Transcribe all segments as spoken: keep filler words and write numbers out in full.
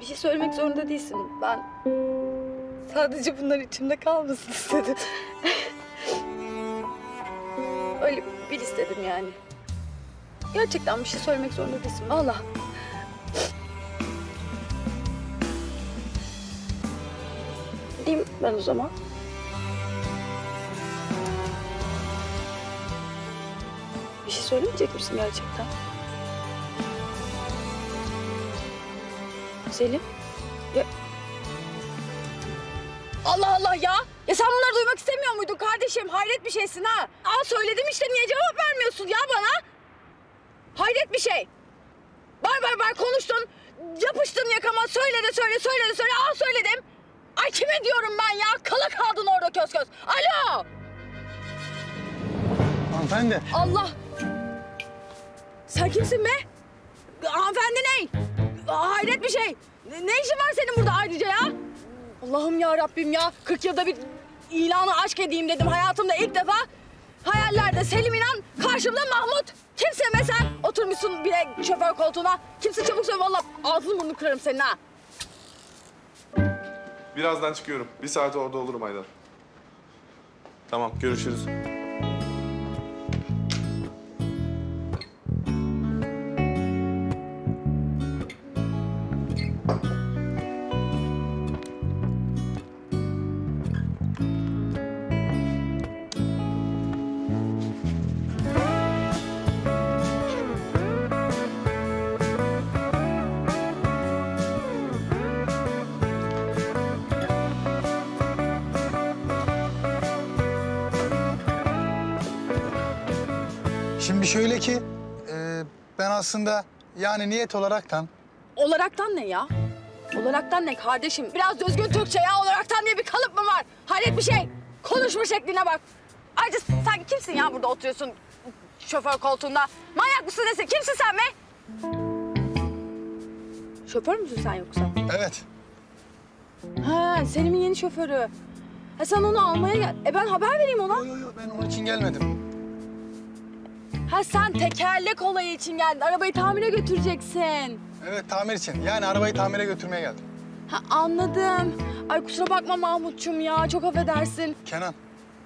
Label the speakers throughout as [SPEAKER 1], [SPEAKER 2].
[SPEAKER 1] bir şey söylemek zorunda değilsin. Ben sadece bunlar içimde kalmasın istedim. Öyle bil istedim yani. Gerçekten bir şey söylemek zorunda değilsin. Vallahi. Gideyim ben o zaman. Bir şey söylemeyecek misin gerçekten? Selim? Ya... Allah Allah ya! Ya sen bunları duymak istemiyor muydun kardeşim? Hayret bir şeysin ha! Aa söyledim işte, niye cevap vermiyorsun ya bana? Hayret bir şey! Bar bar bar konuştun, yapıştın yakama, söyle de söyle, söyle de söyle, aa söyledim! Ay kime diyorum ben ya? Kala kaldın orada köz köz. Alo!
[SPEAKER 2] Hanımefendi.
[SPEAKER 1] Allah! Sen kimsin be? Hanımefendi ne? Hayret bir şey. Ne, ne işin var senin burada ayrıca ya? Allah'ım ya Rabbim ya. kırk yılda bir ilanı aşk edeyim dedim. Hayatımda ilk defa hayallerde Selim İnan, karşımda Mahmut. Kimsin be sen? Oturmuşsun bile şoför koltuğuna. Kimsin çabuk söyle vallahi ağzını burnunu kırarım senin ha.
[SPEAKER 3] Birazdan çıkıyorum. Bir saate orada olurum Aydan. Tamam, görüşürüz.
[SPEAKER 2] Şimdi şöyle ki e, ben aslında yani niyet olaraktan
[SPEAKER 1] Olaraktan ne ya? Olaraktan ne kardeşim? Biraz düzgün Türkçe ya. Olaraktan diye bir kalıp mı var? Hayret bir şey. Konuşma şekline bak. Ayrıca sen kimsin ya burada oturuyorsun şoför koltuğunda? Manyak mısın nesin? Kimsin sen be? Şoför müsün sen yoksa?
[SPEAKER 2] evet.
[SPEAKER 1] Ha, Selim'in yeni şoförü. Ha, sen onu almaya gel. E ben haber vereyim ona.
[SPEAKER 2] Yok yok yo, ben onun için gelmedim.
[SPEAKER 1] Ha sen tekerlek olayı için geldin. Arabayı tamire götüreceksin.
[SPEAKER 2] Evet, tamir için. Yani arabayı tamire götürmeye geldim.
[SPEAKER 1] Ha anladım. Ay kusura bakma Mahmutçum ya. Çok affedersin.
[SPEAKER 2] Kenan,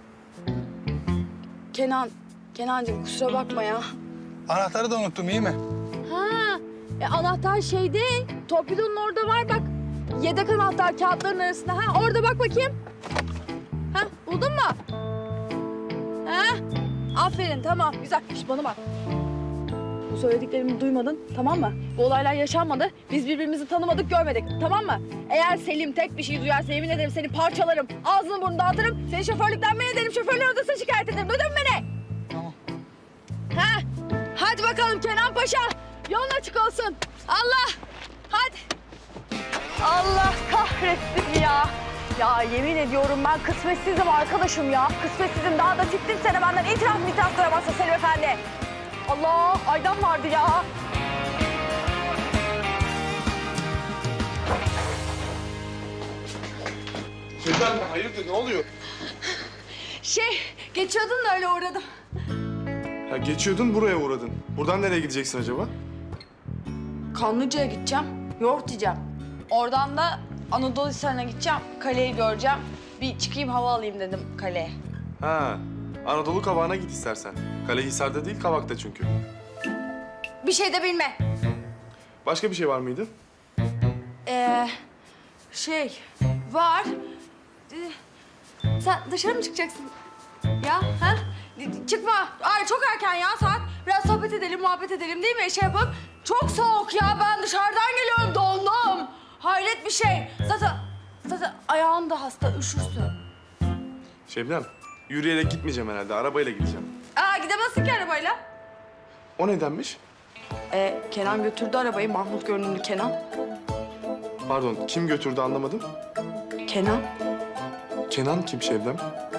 [SPEAKER 1] Kenan, Kenancığım kusura bakma ya.
[SPEAKER 2] anahtarı da unuttum, iyi mi?
[SPEAKER 1] Ha, e, anahtar şeyde, torpidonun orada var bak. Yedek anahtar kağıtların arasında. Ha, orada bak bakayım. Ha, buldun mu? Ha, aferin, tamam, güzel. Şş, bana bak. Bu söylediklerimi duymadın, tamam mı? Bu olaylar yaşanmadı. Biz birbirimizi tanımadık, görmedik, tamam mı? Eğer Selim tek bir şey duyarsa yemin ederim seni parçalarım. Ağzını burnunu dağıtırım. Seni şoförlükten men ederim, şoförler odasına şikayet ederim. Duydun mu beni?
[SPEAKER 2] Tamam.
[SPEAKER 1] Ha, hadi bakalım Kenan Paşa. Yolun açık olsun. Allah, hadi. Allah kahretsin ya. Ya yemin ediyorum ben kısmetsizim arkadaşım ya. Kısmetsizim, daha da tiptim seni benden. İtiraf mı itiraf duramazsın Selim Efendi. Allah, Aydan vardı ya.
[SPEAKER 3] Şebnem, hayırdır, ne oluyor?
[SPEAKER 1] Şey, geçiyordun da öyle uğradım.
[SPEAKER 3] Ha, geçiyordun, buraya uğradın. Buradan nereye gideceksin acaba?
[SPEAKER 1] Kanlıca'ya gideceğim, yoğurt yiyeceğim. Oradan da Anadolu Hisarı'na gideceğim, kaleyi göreceğim. Bir çıkayım hava alayım dedim kaleye.
[SPEAKER 3] Ha, Anadolu Kavağı'na git istersen. Kalehisar'da değil, Kavak'ta çünkü.
[SPEAKER 1] Bir şey de bilme.
[SPEAKER 3] Başka bir şey var mıydı?
[SPEAKER 1] Ee, şey var. Ee, sen dışarı mı çıkacaksın? Ya ha? Çıkma. Ay çok erken ya saat. Biraz sohbet edelim, muhabbet edelim değil mi? Şey yapıp. Çok soğuk ya. Ben dışarıdan geliyorum. Dondum. Hayret bir şey. Zaten zaten ayağın da hasta. Üşürsün.
[SPEAKER 3] Şebnem, yürüyerek gitmeyeceğim herhalde, arabayla gideceğim.
[SPEAKER 1] Aa gidemezsin ki arabayla.
[SPEAKER 3] O nedenmiş?
[SPEAKER 1] Ee, Kenan götürdü arabayı. Mahmut görünümlü Kenan.
[SPEAKER 3] Pardon, kim götürdü anlamadım.
[SPEAKER 1] Kenan.
[SPEAKER 3] Kenan kim Şebnem?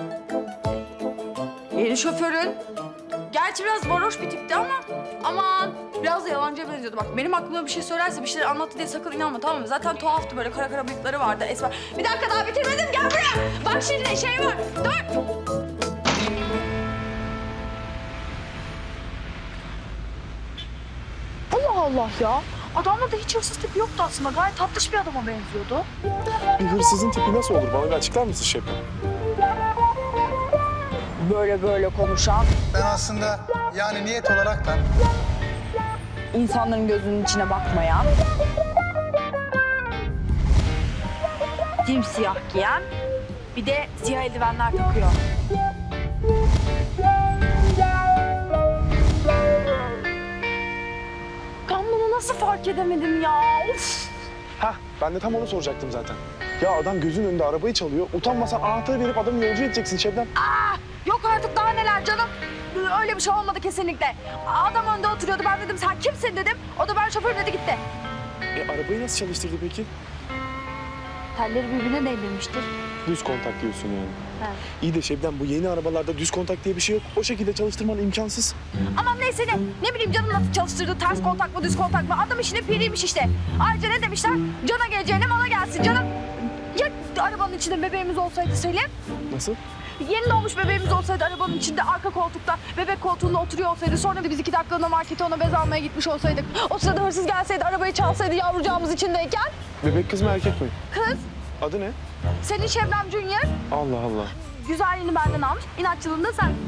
[SPEAKER 1] Yeni şoförün. Gerçi biraz varoş bir tipti ama aman biraz da yalancıya benziyordu. Bak benim aklıma bir şey söylerse bir şeyler anlattı diye sakın inanma tamam mı? Zaten tuhaftı böyle kara kara bıyıkları vardı esmer. Bir dakika daha bitirmedim gel buraya. Bak şimdi şey var dur. Allah Allah ya. Adamda da hiç hırsız tipi yoktu aslında. Gayet tatlış bir adama benziyordu.
[SPEAKER 3] Bir hırsızın tipi nasıl olur? Bana bir açıklar mısın Şebnem?
[SPEAKER 1] Böyle böyle konuşan,
[SPEAKER 2] Ben aslında yani niyet olarak da
[SPEAKER 1] insanların gözünün içine bakmayan, simsiyah giyen, bir de siyah eldivenler takıyor. Ben bunu nasıl fark edemedim ya? Of!
[SPEAKER 3] Hah, ben de tam onu soracaktım zaten. Ya adam gözün önünde arabayı çalıyor. Utanmasan anahtarı verip adamı yolcu edeceksin Şebnem.
[SPEAKER 1] Yok artık daha neler canım. Öyle bir şey olmadı kesinlikle. Adam önde oturuyordu. Ben dedim sen kimsin dedim. O da ben şoförüm dedi gitti.
[SPEAKER 3] E arabayı nasıl çalıştırdı peki?
[SPEAKER 1] Telleri birbirine değdirmiştir.
[SPEAKER 3] Düz kontak diyorsun yani.
[SPEAKER 1] He.
[SPEAKER 3] İyi de Şebnem bu yeni arabalarda düz kontak diye bir şey yok. O şekilde çalıştırman imkansız.
[SPEAKER 1] Aman neyse ne. Ne bileyim canım nasıl çalıştırdı. Ters kontak mı düz kontak mı? Adam işine piriymiş işte. Ayrıca ne demişler? Cana geleceğine mala gelsin canım. Ya arabanın içinde bebeğimiz olsaydı Selim?
[SPEAKER 3] Nasıl?
[SPEAKER 1] Yeni doğmuş bebeğimiz olsaydı arabanın içinde arka koltukta bebek koltuğunda oturuyor olsaydı sonra da biz iki dakikalığına markete ona bez almaya gitmiş olsaydık. O sırada hırsız gelseydi arabayı çalsaydı yavrucağımız içindeyken.
[SPEAKER 3] Bebek kız mı erkek mi?
[SPEAKER 1] Kız
[SPEAKER 3] Adı ne?
[SPEAKER 1] senin Şebnem Junior
[SPEAKER 3] Allah Allah.
[SPEAKER 1] güzelliğini benden almış. İnatçılığını da sen.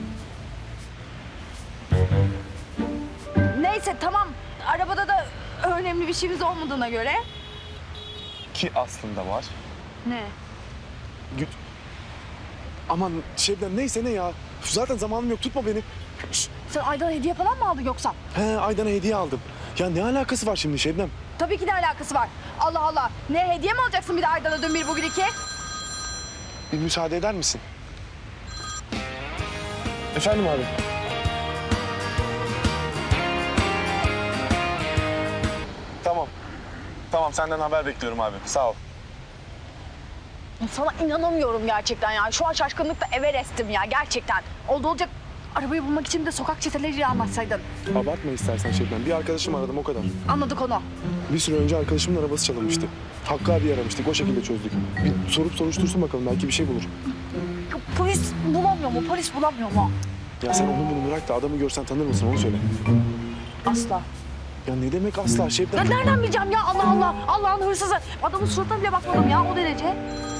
[SPEAKER 1] Neyse tamam arabada da önemli bir şeyimiz olmadığına göre.
[SPEAKER 3] Ki aslında var.
[SPEAKER 1] Ne?
[SPEAKER 3] Güt. Aman Şebnem neyse ne ya. Zaten zamanım yok tutma beni. Şşt.
[SPEAKER 1] Sen Aydan'a hediye falan mı aldın yoksa?
[SPEAKER 3] He Aydan'a hediye aldım. Ya ne alakası var şimdi Şebnem?
[SPEAKER 1] Tabii ki de alakası var. Allah Allah. Ne hediye mi alacaksın bir de Aydan'a dün bir bugün iki?
[SPEAKER 3] Bir müsaade eder misin? Efendim abi. Tamam. Tamam senden haber bekliyorum abi. Sağ ol.
[SPEAKER 1] Sana inanamıyorum gerçekten ya. Şu an şaşkınlıkla Everest'im ya gerçekten. Oldu olacak arabayı bulmak için de sokak çeteleriyle anlaşsaydın.
[SPEAKER 3] Abartma istersen Şebnem. Bir arkadaşım aradım o kadar.
[SPEAKER 1] Anladık onu.
[SPEAKER 3] Bir süre önce arkadaşımın arabası çalınmıştı. Hakkı abi aramıştık. O şekilde çözdük. Bir sorup soruştursun bakalım. Belki bir şey bulur.
[SPEAKER 1] Ya polis bulamıyor mu? Polis bulamıyor mu?
[SPEAKER 3] Ya sen onu bunu bırak da adamı görsen tanır mısın onu söyle.
[SPEAKER 1] Asla.
[SPEAKER 3] Ya ne demek asla
[SPEAKER 1] Ya
[SPEAKER 3] Şebnem?
[SPEAKER 1] nereden bileceğim ya Allah Allah. Allah'ın hırsızı. Adamın suratına bile bakmadım ya o derece.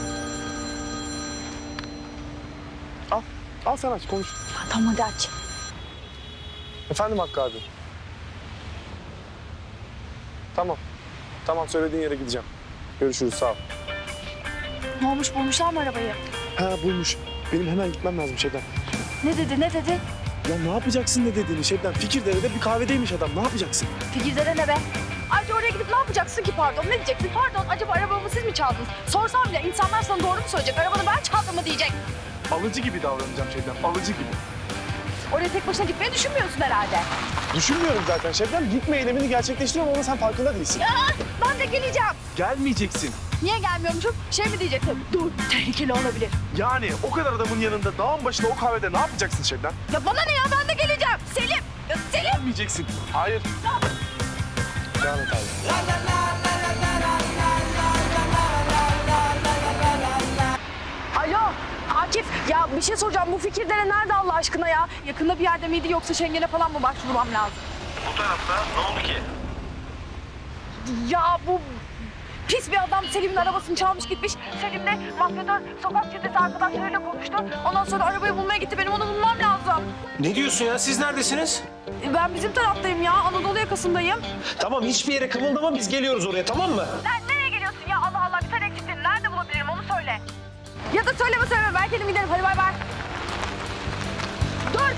[SPEAKER 3] Al. Al sen aç konuş.
[SPEAKER 1] Ya, tamam hadi aç.
[SPEAKER 3] Efendim Hakkı abi. Tamam. Tamam söylediğin yere gideceğim. Görüşürüz sağ ol.
[SPEAKER 1] Ne olmuş bulmuşlar mı arabayı?
[SPEAKER 3] Ha bulmuş. Benim hemen gitmem lazım Şebnem.
[SPEAKER 1] Ne dedi ne dedi?
[SPEAKER 3] Ya ne yapacaksın ne dediğini Şebnem? Fikirdere'de bir kahvedeymiş adam. Ne yapacaksın?
[SPEAKER 1] Fikirde ne be? Ayrıca oraya gidip ne yapacaksın ki pardon? Ne diyeceksin? Pardon acaba arabamı siz mi çaldınız? Sorsam bile insanlar sana doğru mu söyleyecek? Arabanı ben çaldım mı diyecek.
[SPEAKER 3] Alıcı gibi davranacağım Şebnem. Alıcı gibi.
[SPEAKER 1] Oraya tek başına gitmeyi düşünmüyorsun herhalde.
[SPEAKER 3] Düşünmüyorum zaten Şebnem. Gitme eylemini gerçekleştiriyorum ama sen farkında değilsin.
[SPEAKER 1] Ya ben de geleceğim.
[SPEAKER 3] Gelmeyeceksin.
[SPEAKER 1] Niye gelmiyormuşum? Şey mi diyeceksin? Dur tehlikeli olabilir.
[SPEAKER 3] Yani o kadar adamın yanında dağın başında o kahvede ne yapacaksın Şebnem?
[SPEAKER 1] Ya bana ne ya ben de geleceğim. Selim. Ya Selim.
[SPEAKER 3] Gelmeyeceksin. Hayır. Devam et abi.
[SPEAKER 1] Alo Akif ya bir şey soracağım. Bu Fikirdere nerede Allah aşkına ya? Yakında bir yerde miydi yoksa Şengen'e falan mı başvurmam lazım?
[SPEAKER 4] Bu tarafta ne oldu ki?
[SPEAKER 1] Ya bu pis bir adam Selim'in arabasını çalmış gitmiş. Selim de mafyatör sokak çetesi arkadaşlarıyla konuştu. Ondan sonra arabayı bulmaya gitti. Benim onu bulmam lazım.
[SPEAKER 4] Ne diyorsun ya? Siz neredesiniz?
[SPEAKER 1] E, Ben bizim taraftayım ya. Anadolu yakasındayım.
[SPEAKER 4] Tamam hiçbir yere kımıldama biz geliyoruz oraya tamam mı?
[SPEAKER 1] Sen nereye geliyorsun ya? Allah Allah bir sen eksiktin. Nerede bulabilirim onu söyle. Ya da söyleme söyleme. Ben kendim giderim. Hadi bay bay. Dur.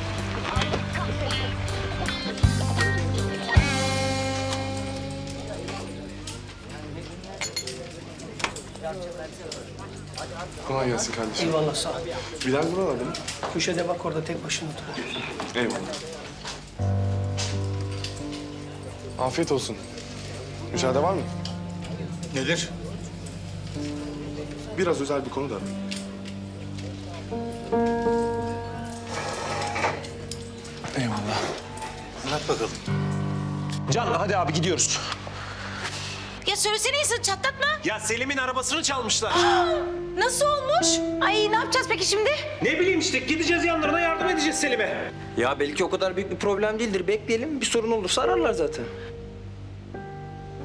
[SPEAKER 3] Kolay gelsin kardeşim.
[SPEAKER 5] Eyvallah sağ ol.
[SPEAKER 3] Bilal buralarda mı?
[SPEAKER 5] Köşede bak orada tek başına oturuyor.
[SPEAKER 3] Eyvallah. Afiyet olsun. Müsaade var mı?
[SPEAKER 2] nedir?
[SPEAKER 3] Biraz özel bir konu da. Eyvallah.
[SPEAKER 2] Anlat bakalım.
[SPEAKER 4] Can hadi abi gidiyoruz.
[SPEAKER 6] Ya söylesene insan çatlatma.
[SPEAKER 4] Ya Selim'in arabasını çalmışlar.
[SPEAKER 6] Nasıl olmuş? Ay ne yapacağız peki şimdi?
[SPEAKER 4] Ne bileyim işte gideceğiz yanlarına yardım edeceğiz Selim'e.
[SPEAKER 7] Ya belki o kadar büyük bir problem değildir. Bekleyelim. Bir sorun olursa ararlar zaten.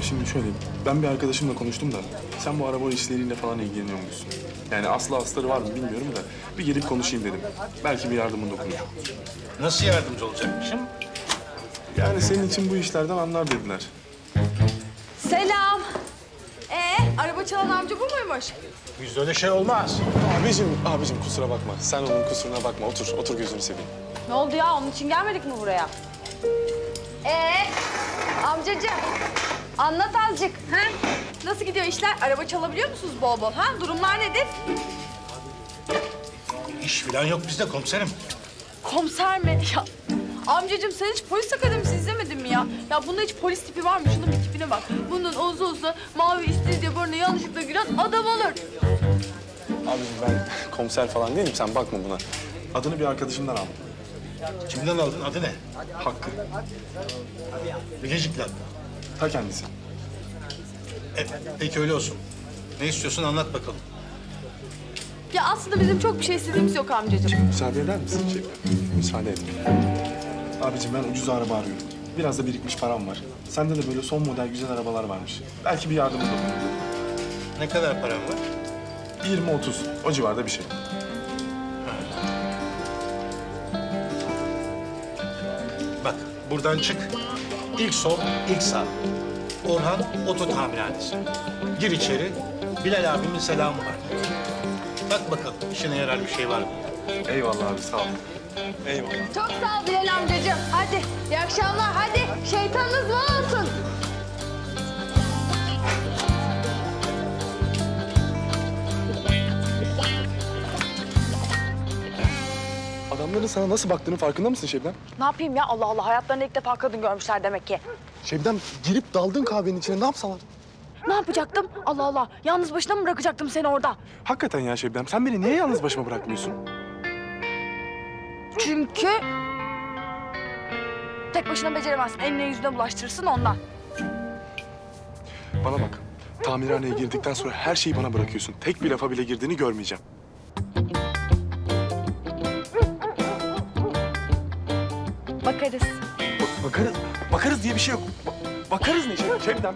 [SPEAKER 3] Şimdi şöyle, ben bir arkadaşımla konuştum da sen bu araba işleriyle falan ilgileniyor musun? Yani aslı astarı var mı bilmiyorum da bir gelip konuşayım dedim. Belki bir yardımın dokunur.
[SPEAKER 7] Nasıl yardımcı olacakmışım?
[SPEAKER 3] Yani senin için bu işlerden anlar dediler.
[SPEAKER 1] Selam. Ee, araba çalan amca bu muymuş?
[SPEAKER 7] Bizde öyle şey olmaz.
[SPEAKER 3] Abicim, abicim kusura bakma. Sen onun kusuruna bakma. Otur, otur gözünü seveyim.
[SPEAKER 1] Ne oldu ya? Onun için gelmedik mi buraya? Ee, amcacığım, anlat azıcık. Ha? Nasıl gidiyor işler? Araba çalabiliyor musunuz bol bol? Ha? Durumlar nedir?
[SPEAKER 7] İş falan yok bizde komiserim.
[SPEAKER 1] Komiser mi? Ya, amcacığım sen hiç polis akademisi izlemedin mi ya? Ya bunda hiç polis tipi var mı? Şunun bir tipine bak. Bunun uzun uzun mavi istiridye burnuna yanlışlıkla giren adam olur.
[SPEAKER 3] Abicim ben komiser falan değilim. Sen bakma buna. Adını bir arkadaşımdan aldım.
[SPEAKER 7] Kimden aldın? Adı ne?
[SPEAKER 3] Hakkı.
[SPEAKER 7] Bilecikler.
[SPEAKER 3] Ta kendisi.
[SPEAKER 7] E, peki öyle olsun. Ne istiyorsun anlat bakalım.
[SPEAKER 1] Ya aslında bizim çok bir şey istediğimiz yok amcacığım.
[SPEAKER 3] Müsaade eder misin Şevket? Müsaade et. Abicim ben ucuz araba arıyorum. Biraz da birikmiş param var. Sende de böyle son model güzel arabalar varmış. Belki bir yardımın dokunur.
[SPEAKER 7] Ne kadar paran var?
[SPEAKER 3] yirmi otuz. O civarda bir şey.
[SPEAKER 7] Bak buradan çık. İlk sol, ilk sağ. Orhan Oto Tamirhanesi. Gir içeri. Bilal abimin selamı var. Bak bakalım işine yarar bir şey var mı?
[SPEAKER 3] Eyvallah abi sağ ol. Eyvallah.
[SPEAKER 1] Çok sağ ol Bilal amcacığım. Hadi iyi akşamlar. Hadi şeytanınız bol olsun.
[SPEAKER 3] Adamların sana nasıl baktığının farkında mısın Şebnem?
[SPEAKER 1] Ne yapayım ya? Allah Allah. Hayatlarında ilk defa kadın görmüşler demek ki.
[SPEAKER 3] Şebnem girip daldın kahvenin içine ne yapsalar?
[SPEAKER 1] Ne yapacaktım? Allah Allah. Yalnız başına mı bırakacaktım seni orada?
[SPEAKER 3] Hakikaten ya Şebnem sen beni niye yalnız başıma bırakmıyorsun?
[SPEAKER 1] Çünkü... tek başına beceremezsin. Eline yüzüne bulaştırırsın ondan.
[SPEAKER 3] Bana bak. Tamirhaneye girdikten sonra her şeyi bana bırakıyorsun. Tek bir lafa bile girdiğini görmeyeceğim.
[SPEAKER 1] Bakarız.
[SPEAKER 3] Bak- bakarız. Bakarız diye bir şey yok. Ba- bakarız ne Şeb- Şebnem?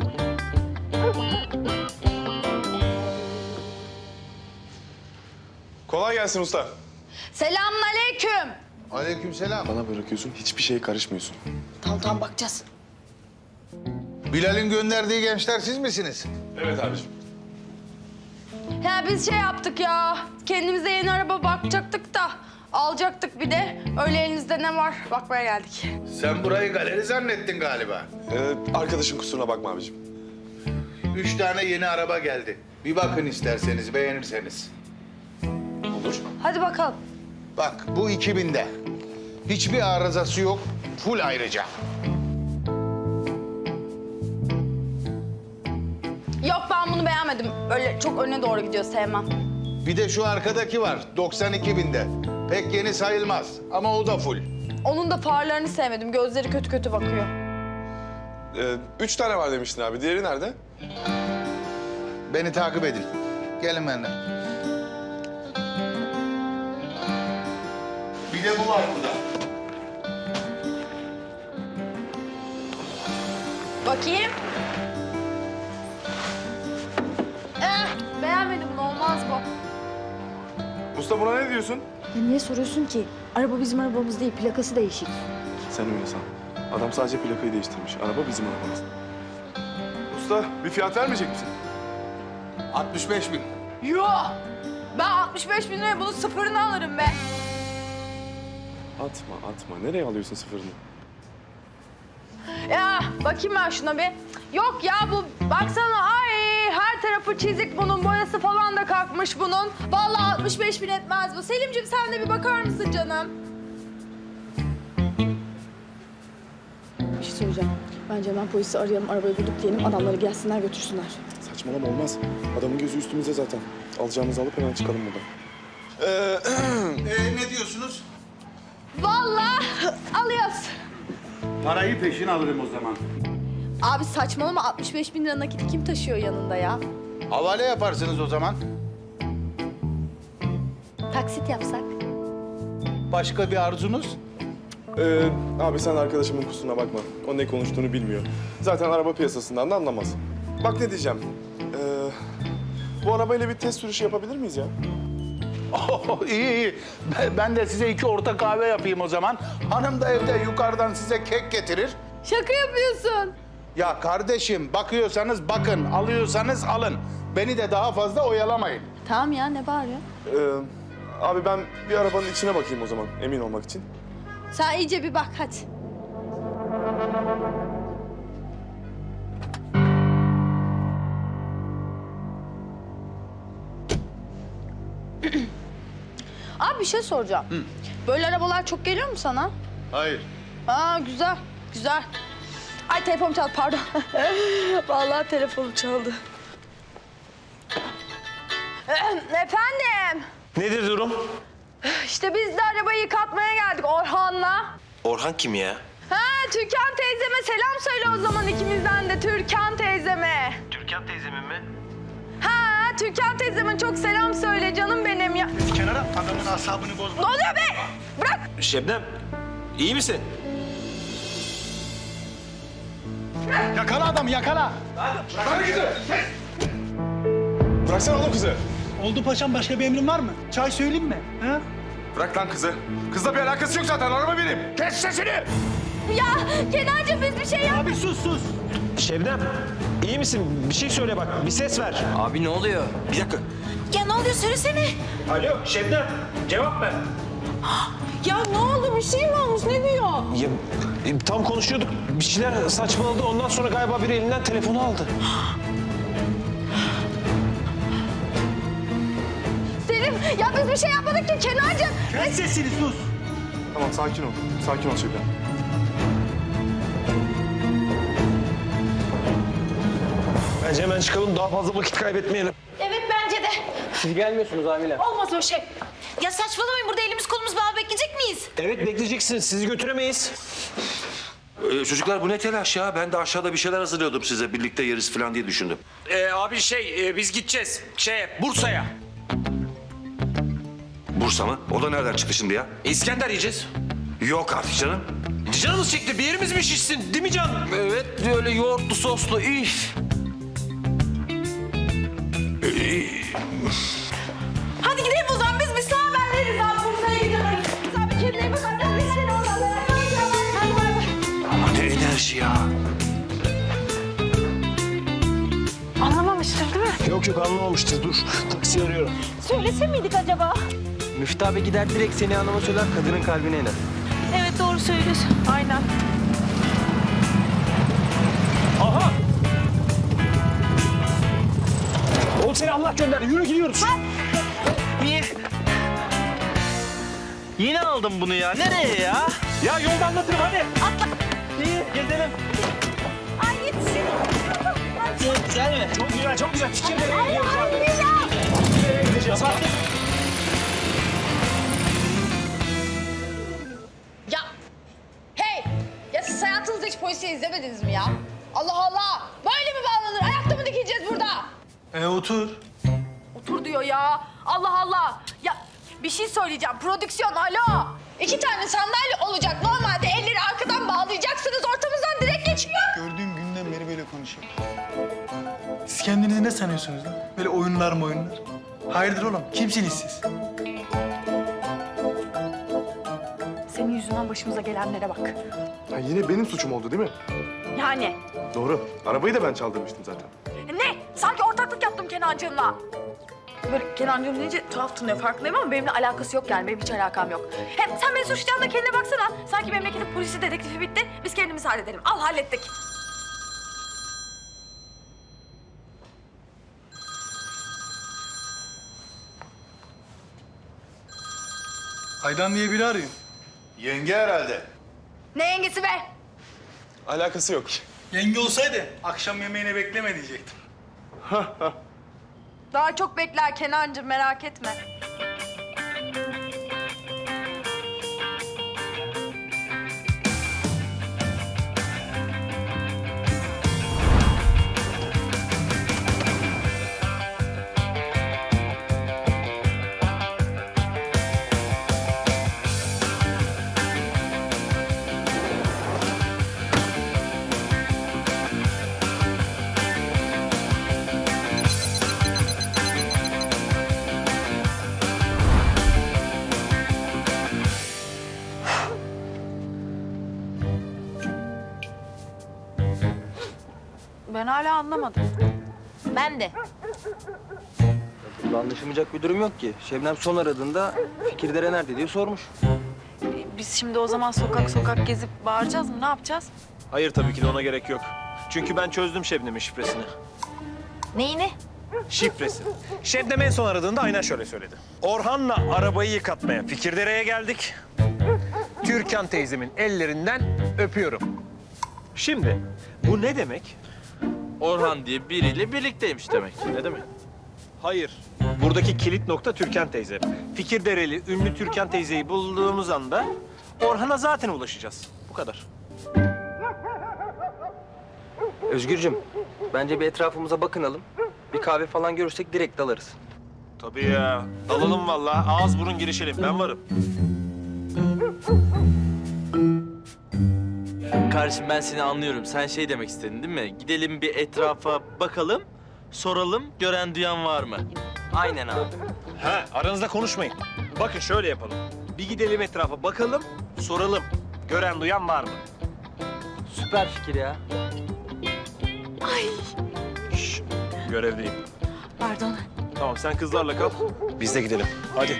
[SPEAKER 3] Kolay gelsin usta.
[SPEAKER 1] Selamünaleyküm.
[SPEAKER 2] Aleykümselam.
[SPEAKER 3] Bana bırakıyorsun, hiçbir şeye karışmıyorsun.
[SPEAKER 6] Tamam tamam bakacağız.
[SPEAKER 2] Bilal'in gönderdiği gençler siz misiniz?
[SPEAKER 3] Evet abiciğim.
[SPEAKER 1] Ya biz şey yaptık ya. Kendimize yeni araba bakacaktık da alacaktık bir de. Öyle elinizde ne var bakmaya geldik.
[SPEAKER 2] Sen burayı galeri zannettin galiba.
[SPEAKER 3] Ee, arkadaşın kusuruna bakma abiciğim.
[SPEAKER 2] Üç tane yeni araba geldi. Bir bakın isterseniz, beğenirseniz.
[SPEAKER 3] Olur.
[SPEAKER 1] Hadi bakalım.
[SPEAKER 2] Bak bu iki binde. Hiçbir arızası yok. Full ayrıca.
[SPEAKER 1] Yok ben bunu beğenmedim. Böyle çok öne doğru gidiyor sevmem.
[SPEAKER 2] Bir de şu arkadaki var. doksan iki binde. Pek yeni sayılmaz ama o da full.
[SPEAKER 1] Onun da farlarını sevmedim. Gözleri kötü kötü bakıyor.
[SPEAKER 3] Ee, üç tane var demiştin abi. Diğeri nerede?
[SPEAKER 2] Beni takip edin. Gelin benden. Bir de bu var burada.
[SPEAKER 1] Bakayım. Eh, beğenmedim bunu. Olmaz bu.
[SPEAKER 3] Usta buna ne diyorsun?
[SPEAKER 8] Ya niye soruyorsun ki? Araba bizim arabamız değil, plakası değişik.
[SPEAKER 3] Sen öyle san. Adam sadece plakayı değiştirmiş. Araba bizim arabamız. Usta bir fiyat vermeyecek misin?
[SPEAKER 2] altmış beş bin.
[SPEAKER 1] Yok. Ben altmış beş bin liraya bunun sıfırını alırım be.
[SPEAKER 3] Atma atma. Nereye alıyorsun sıfırını?
[SPEAKER 1] Ya bakayım ben şuna bir. Yok ya bu baksana ay her tarafı çizik bunun boyası falan da kalkmış bunun. Vallahi altmış beş bin etmez bu. Selimciğim sen de bir bakar mısın canım?
[SPEAKER 8] Bir şey söyleyeceğim. Bence hemen polisi arayalım, arabayı bulduk diyelim. Adamları gelsinler götürsünler.
[SPEAKER 3] Saçmalama olmaz. Adamın gözü üstümüzde zaten. Alacağımızı alıp hemen çıkalım buradan. Ee,
[SPEAKER 2] Ee, ne diyorsunuz?
[SPEAKER 1] Vallahi alıyoruz.
[SPEAKER 7] Parayı peşin alırım o zaman.
[SPEAKER 1] Abi saçmalama altmış beş bin lira nakiti kim taşıyor yanında ya?
[SPEAKER 2] Havale yaparsınız o zaman.
[SPEAKER 1] Taksit yapsak.
[SPEAKER 2] Başka bir arzunuz?
[SPEAKER 3] Ee, abi sen arkadaşımın kusuruna bakma. O ne konuştuğunu bilmiyor. Zaten araba piyasasından da anlamaz. Bak ne diyeceğim. Ee, bu arabayla bir test sürüşü yapabilir miyiz ya?
[SPEAKER 2] Oh, iyi iyi. Ben- Ben de size iki orta kahve yapayım o zaman. Hanım da evde yukarıdan size kek getirir.
[SPEAKER 1] Şaka yapıyorsun.
[SPEAKER 2] Ya kardeşim bakıyorsanız bakın, alıyorsanız alın. Beni de daha fazla oyalamayın.
[SPEAKER 8] Tamam ya ne bağırıyor?
[SPEAKER 3] Ee, abi ben bir arabanın içine bakayım o zaman emin olmak için.
[SPEAKER 1] Sen iyice bir bak hadi.
[SPEAKER 8] Abi bir şey soracağım. Böyle arabalar çok geliyor mu sana?
[SPEAKER 2] Hayır.
[SPEAKER 8] Aa güzel, güzel. Ay telefonum çaldı pardon. Vallahi telefonum çaldı. Efendim,
[SPEAKER 4] Nedir durum?
[SPEAKER 8] işte biz de arabayı yıkatmaya geldik Orhan'la.
[SPEAKER 4] Orhan kim ya?
[SPEAKER 8] Ha, Türkan teyzeme selam söyle o zaman ikimizden de Türkan teyzeme.
[SPEAKER 4] Türkan teyzemin mi?
[SPEAKER 8] Ha, Türkan teyzeme çok selam söyle canım benim ya.
[SPEAKER 7] Kenara adamın asabını bozma.
[SPEAKER 8] Ne oluyor be? Bırak.
[SPEAKER 4] Şebnem, iyi misin?
[SPEAKER 7] Yakala adamı yakala.
[SPEAKER 3] Bıraksana oğlum kızı.
[SPEAKER 7] Oldu paşam, başka bir emrin var mı? Çay söyleyeyim mi? Ha?
[SPEAKER 3] Bırak lan kızı. Kızla bir alakası yok zaten. Araba benim. Kes sesini.
[SPEAKER 8] Ya Kenancığım biz bir şey yap.
[SPEAKER 7] Abi sus sus.
[SPEAKER 4] Şebnem, iyi misin? Bir şey söyle bak, bir ses ver.
[SPEAKER 5] Abi ne oluyor?
[SPEAKER 4] Bir dakika.
[SPEAKER 6] Ya ne oluyor söylesene.
[SPEAKER 4] Alo Şebnem, cevap ver.
[SPEAKER 8] Ya ne oldu? Bir şey mi olmuş? Ne diyor?
[SPEAKER 4] Ya, e, tam konuşuyorduk, bir şeyler saçmaladı. Ondan sonra galiba biri elinden telefonu aldı.
[SPEAKER 8] Selim, ya biz bir şey yapmadık ki Kenancığım.
[SPEAKER 7] Kes sesini sus.
[SPEAKER 3] Tamam sakin ol. Sakin ol Şebnem.
[SPEAKER 4] Bence hemen çıkalım, daha fazla vakit kaybetmeyelim.
[SPEAKER 6] Evet bence de.
[SPEAKER 5] Siz gelmiyorsunuz amirim.
[SPEAKER 6] Olmaz o şey. Ya saçmalamayın, burada elimiz kolumuz bağlı bekleyecek miyiz?
[SPEAKER 4] Evet, bekleyeceksiniz. Sizi götüremeyiz.
[SPEAKER 9] Ee, çocuklar bu ne telaş ya? Ben de aşağıda bir şeyler hazırlıyordum size. Birlikte yeriz falan diye düşündüm.
[SPEAKER 4] Ee, abi şey, e, biz gideceğiz. Şeye, Bursa'ya.
[SPEAKER 9] Bursa mı? O da nereden çıktı şimdi ya?
[SPEAKER 4] İskender yiyeceğiz.
[SPEAKER 9] Yok artık canım.
[SPEAKER 4] Canımız çekti, bir yerimiz mi şişsin? Değil mi Can?
[SPEAKER 5] Evet öyle yoğurtlu soslu üf.
[SPEAKER 6] Hadi gidelim o zaman, biz bir sağ haber veririz abi, Bursa'ya gidiyoruz. Abi kendine bak, hadi biz seni oradan
[SPEAKER 9] Ama ne enerji ya.
[SPEAKER 6] Anlamamıştır değil mi?
[SPEAKER 4] Yok yok, anlamamıştır. Dur, taksi arıyorum.
[SPEAKER 6] Söylese miydik acaba?
[SPEAKER 5] Müftü abi gider direkt seni hanıma söyler, kadının kalbine iner.
[SPEAKER 6] Evet doğru söylüyorsun. Aynen.
[SPEAKER 4] Aha! Oğlum seni Allah gönderdi. Yürü gidiyoruz.
[SPEAKER 5] Niye? Yine aldım bunu ya. Nereye ya?
[SPEAKER 4] Ya yolda anlatırım hadi.
[SPEAKER 5] İyi gezelim.
[SPEAKER 6] Ay yetişin.
[SPEAKER 5] Güzel mi?
[SPEAKER 4] Çok güzel, çok güzel. Fikir nereye gidiyoruz abi? Nereye gideceğiz abi?
[SPEAKER 1] Ya hey! Ya siz hayatınızda hiç polisi izlemediniz mi ya? Allah Allah! Böyle mi bağlanır? Ayakta mı dikileceğiz burada?
[SPEAKER 7] E otur.
[SPEAKER 1] Otur diyor ya. Allah Allah! Ya bir şey söyleyeceğim. Prodüksiyon alo! İki tane sandalye olacak. Normalde elleri arkadan bağlayacaksınız. Ortamızdan direkt geçiyor.
[SPEAKER 7] Gördüğüm günden beri böyle konuşuyor. Siz kendinizi ne sanıyorsunuz lan? Böyle oyunlar mı oyunlar? Hayırdır oğlum? Kimsiniz siz?
[SPEAKER 8] Senin yüzünden başımıza gelenlere bak.
[SPEAKER 3] Ha, yine benim suçum oldu değil mi?
[SPEAKER 8] Yani
[SPEAKER 3] Doğru. Arabayı da ben çaldırmıştım zaten.
[SPEAKER 8] ne? Sanki ortaklık yaptım Kenancığımla. Böyle Kenancığım deyince tuhaf tınlıyor farkındayım ama benimle alakası yok yani. Benim hiç alakam yok. Hem sen beni suçlayan da kendine baksana. Sanki memleketin polisi dedektifi bitti. Biz kendimiz halledelim. Al hallettik.
[SPEAKER 7] Aydan diye biri arıyor.
[SPEAKER 2] Yenge herhalde.
[SPEAKER 1] Ne yengesi be?
[SPEAKER 3] Alakası yok.
[SPEAKER 7] Yenge olsaydı akşam yemeğine bekleme diyecektim.
[SPEAKER 1] Daha çok bekler Kenancığım merak etme.
[SPEAKER 8] Ben hala anlamadım.
[SPEAKER 1] Ben de.
[SPEAKER 5] Burada anlaşılmayacak bir durum yok ki. Şebnem son aradığında Fikirdere nerede diye sormuş.
[SPEAKER 8] Biz şimdi o zaman sokak sokak gezip bağıracağız mı? Ne yapacağız?
[SPEAKER 4] Hayır tabii ki de ona gerek yok. Çünkü ben çözdüm Şebnem'in şifresini.
[SPEAKER 1] Neyini?
[SPEAKER 4] Şifresi. Şebnem en son aradığında aynen şöyle söyledi. Orhan'la arabayı yıkatmaya Fikirdere'ye geldik. Türkan teyzemin ellerinden öpüyorum. Şimdi bu ne demek?
[SPEAKER 10] Orhan diye biriyle birlikteymiş demek ki. Ne demek?
[SPEAKER 4] Hayır. Buradaki kilit nokta Türkan teyze. Fikirdereli ünlü Türkan teyzeyi bulduğumuz anda Orhan'a zaten ulaşacağız. Bu kadar.
[SPEAKER 5] Özgürcüm, bence bir etrafımıza bakınalım. Bir kahve falan görürsek direkt dalarız.
[SPEAKER 4] Tabii ya. Dalalım vallahi. Ağız burun girişelim. Ben varım.
[SPEAKER 10] Kardeşim ben seni anlıyorum. Sen şey demek istedin değil mi? Gidelim bir etrafa bakalım, soralım gören duyan var mı?
[SPEAKER 5] Aynen abi.
[SPEAKER 4] Ha, aranızda konuşmayın. Bakın şöyle yapalım. Bir gidelim etrafa bakalım, soralım. Gören duyan var mı?
[SPEAKER 5] Süper fikir ya.
[SPEAKER 4] Şş, görevdeyim.
[SPEAKER 8] Pardon.
[SPEAKER 4] Tamam sen kızlarla kal. Biz de gidelim. Hadi.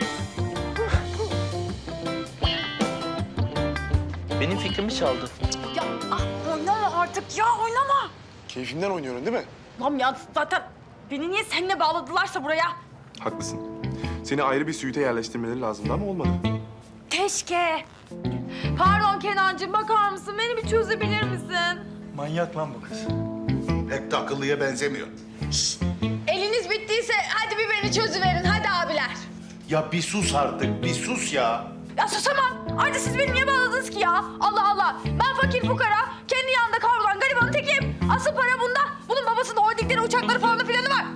[SPEAKER 10] Benim fikrimi çaldı.
[SPEAKER 8] Ya ah, oynama artık ya oynama.
[SPEAKER 3] Keyfinden oynuyorum değil mi?
[SPEAKER 8] Lan ya zaten beni niye seninle bağladılarsa buraya?
[SPEAKER 3] Haklısın. Seni ayrı bir suite yerleştirmeleri lazımdı ama olmadı.
[SPEAKER 8] Keşke. Pardon Kenancığım bakar mısın? Beni bir çözebilir misin?
[SPEAKER 7] Manyak lan bu kız.
[SPEAKER 2] Pek de akıllıya benzemiyor.
[SPEAKER 1] Eliniz bittiyse hadi bir beni çözüverin. Hadi abiler.
[SPEAKER 2] Ya bir sus artık, bir sus ya.
[SPEAKER 8] Ya susamam. Ayrıca siz beni niye bağladınız ki ya? Allah Allah. Ben fakir fukara, kendi yanında kavrulan garibanın tekiyim. Asıl para bunda. Bunun babasının holdingleri, uçakları falan filanı var.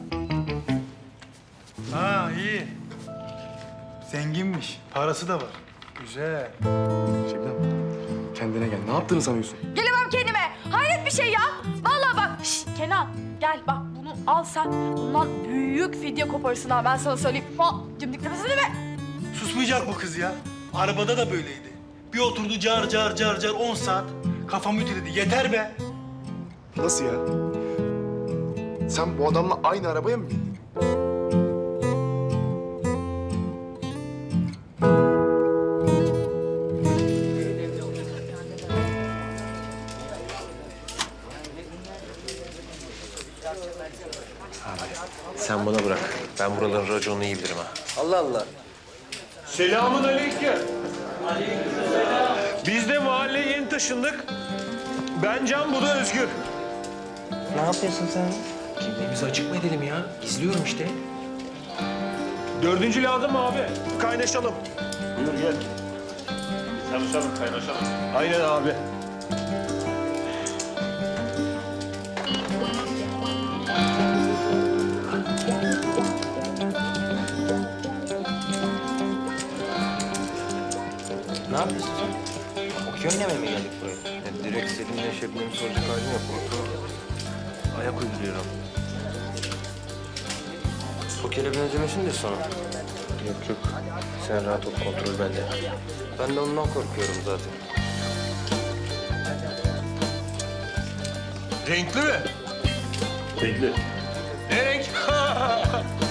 [SPEAKER 7] Ha iyi. Zenginmiş. Parası da var. Güzel.
[SPEAKER 3] Şebnem, kendine gel. Ne yaptığını sanıyorsun?
[SPEAKER 8] Gelemem kendime. Hayret bir şey ya. Vallahi bak. Şşş Kenan gel bak bunu al sen. Bundan büyük fidye koparırsın ha ben sana söyleyeyim. Ha, cimdik nefesini be.
[SPEAKER 7] Susmayacak bu kız ya. Arabada da böyleydi. Bir oturdu car car car car on saat. Kafam ütüledi. Yeter be.
[SPEAKER 3] Nasıl ya? Sen bu adamla aynı arabaya mı bindin?
[SPEAKER 4] Sen bana bırak. Ben buraların raconunu iyi bilirim ha.
[SPEAKER 5] Allah Allah.
[SPEAKER 4] Selamun aleyküm. Biz de mahalleye yeni taşındık. Ben Can, bu da Özgür.
[SPEAKER 5] Ne yapıyorsun sen?
[SPEAKER 4] Kimliğimizi açık mı edelim ya? Gizliyorum işte. Dördüncü lazım abi. Kaynaşalım. Buyur gel. Tanışalım, kaynaşalım. Aynen abi.
[SPEAKER 5] Ne yapıyorsun sen? Okey oynamaya mı geldik buraya? Ya direkt Selin'le Şebnem'i soracak halim yok. Ortalığı ayak uyduruyorum. Pokere benzemesin de sonra. Yok yok. Sen rahat ol, kontrol bende. Ben de ondan korkuyorum zaten.
[SPEAKER 4] Renkli mi? Renkli. Ne renk?